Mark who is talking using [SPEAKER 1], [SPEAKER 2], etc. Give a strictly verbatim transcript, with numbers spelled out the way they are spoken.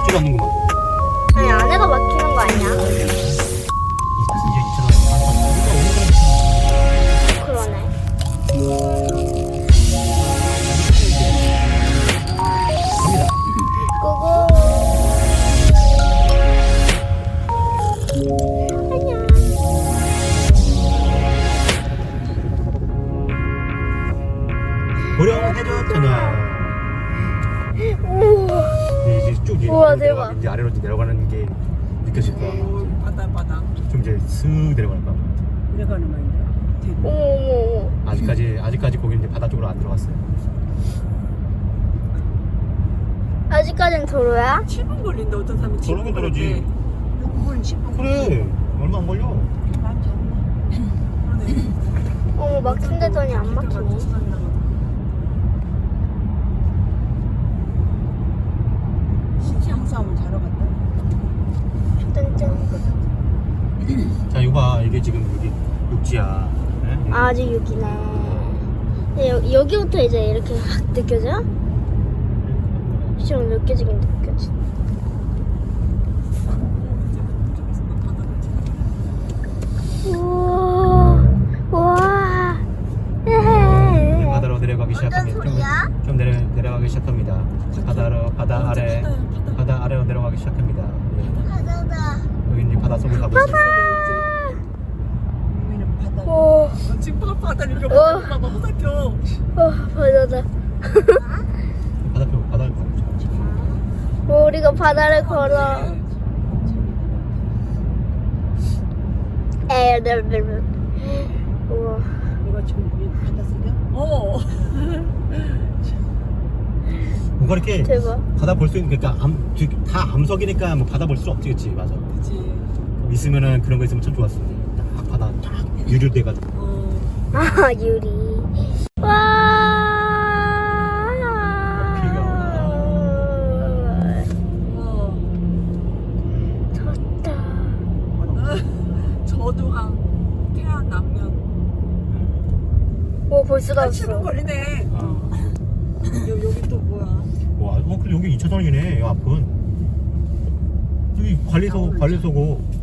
[SPEAKER 1] 소리 없는구만.
[SPEAKER 2] 아니 안에가 막히는 거 아니야?
[SPEAKER 1] 이제 이천 원.
[SPEAKER 2] 그러네.
[SPEAKER 1] 갑니다.
[SPEAKER 2] 고고. 안녕.
[SPEAKER 1] 고령해졌잖아.
[SPEAKER 2] 우와.
[SPEAKER 1] 이제 쭉 이제
[SPEAKER 2] 우와,
[SPEAKER 1] 내려가-
[SPEAKER 2] 대박.
[SPEAKER 1] 이제 아래로 이제 내려가는 게 느껴질 거야.
[SPEAKER 3] 오, 바다 바다
[SPEAKER 1] 좀 이제 슥 내려갈 거야.
[SPEAKER 3] 내려가는 말인데.
[SPEAKER 2] 어머 어머 어머.
[SPEAKER 1] 아직까지 아직까지 거기 이제 바다 쪽으로 안 들어갔어요.
[SPEAKER 2] 아직까진 도로야?
[SPEAKER 3] 칠 분 걸린다. 어떤 사람은 칠 분
[SPEAKER 1] 그러긴 그러지.
[SPEAKER 3] 그건 십 분.
[SPEAKER 1] 그래 얼마 안 걸려.
[SPEAKER 3] 그러네.
[SPEAKER 2] 어머 막힌데더니 안 막히네.
[SPEAKER 3] 시장 싸움 자러 갔다.
[SPEAKER 2] 짠짠.
[SPEAKER 1] 자 이거 봐 이게 지금 여기 육지야. 네? 여기.
[SPEAKER 2] 아직 여기네. 여, 여기부터 이제 이렇게 확 느껴져? 좀 느껴지긴 느껴지. 우와. 우와. 에헤.
[SPEAKER 1] 바다로 내려가기 시작합니다. 좀,
[SPEAKER 2] 소리야?
[SPEAKER 1] 좀 내려 내려가기 시작합니다. 바다로 바다
[SPEAKER 3] 어,
[SPEAKER 1] 아래
[SPEAKER 3] 바다야, 바다.
[SPEAKER 1] 바다 아래로 내려가기 시작합니다. 예.
[SPEAKER 2] 바다다.
[SPEAKER 1] 여기 이제 바다 속을 가고 있어요.
[SPEAKER 3] 여기는 바다.
[SPEAKER 2] 오.
[SPEAKER 3] 어, 지금 바- 바다 이렇게
[SPEAKER 2] 어.
[SPEAKER 3] 봐봐 호사켜.
[SPEAKER 2] 어, 바다다.
[SPEAKER 1] 바다표 바다를 가고 있죠.
[SPEAKER 2] 우리가 바다를 걸어. 에르르르. 우와.
[SPEAKER 3] 이거 지금 위에 바다 속이야? 어.
[SPEAKER 1] 뭔가 이렇게
[SPEAKER 2] 대박.
[SPEAKER 1] 바다 볼 수 있는 그러니까 암, 뒤- 다 암석이니까 뭐 바다 볼 수 없지, 그치? 맞아.
[SPEAKER 3] 그치.
[SPEAKER 1] 있으면은 그런 거 있으면 참 좋았을 텐데. 딱 바다 쫙 유리돼가지고.
[SPEAKER 3] 어.
[SPEAKER 2] 아, 유리. 와.
[SPEAKER 3] 우와.
[SPEAKER 2] 좋다.
[SPEAKER 3] 저두항 태안 남면.
[SPEAKER 2] 오, 벌써 다
[SPEAKER 3] 칠 분
[SPEAKER 2] 왔어.
[SPEAKER 3] 걸리네.
[SPEAKER 1] 아.
[SPEAKER 3] 여, 여기 또 뭐야?
[SPEAKER 1] 와, 어, 그래 여기 이 차선이네. 이 앞은. 여기 관리소 관리소고.